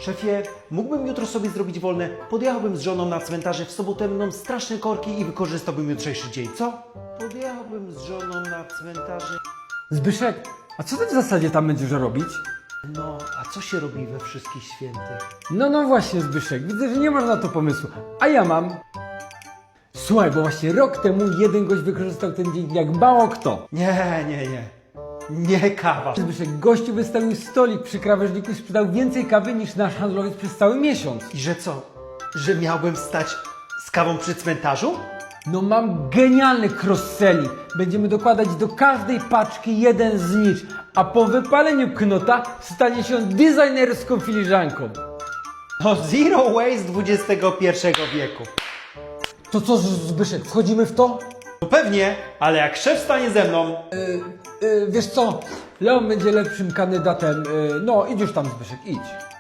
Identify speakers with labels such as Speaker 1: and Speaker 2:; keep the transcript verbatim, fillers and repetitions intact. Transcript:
Speaker 1: Szefie, mógłbym jutro sobie zrobić wolne? Podjechałbym z żoną na cmentarze, w sobotę będą straszne korki i wykorzystałbym jutrzejszy dzień, co? Podjechałbym z żoną na cmentarze...
Speaker 2: Zbyszek, a co ty w zasadzie tam będziesz robić?
Speaker 1: No, a co się robi we wszystkich świętych?
Speaker 2: No, no właśnie Zbyszek, widzę, że nie masz na to pomysłu. A ja mam. Słuchaj, bo właśnie rok temu jeden gość wykorzystał ten dzień jak mało kto.
Speaker 1: Nie, nie, nie. Nie kawa.
Speaker 2: Zbyszek, gościu wystawił stolik przy krawężniku i sprzedał więcej kawy niż nasz handlowiec przez cały miesiąc.
Speaker 1: I że co? Że miałbym stać z kawą przy cmentarzu?
Speaker 2: No mam genialny cross-selling. Będziemy dokładać do każdej paczki jeden znicz, a po wypaleniu knota stanie się on designerską filiżanką.
Speaker 1: No zero waste dwudziestego pierwszego wieku.
Speaker 2: To co, Zbyszek, wchodzimy w to?
Speaker 1: No pewnie, ale jak szef stanie ze mną...
Speaker 2: Yy, wiesz co, Leon będzie lepszym kandydatem. Yy, no, idź już tam, Zbyszek, idź.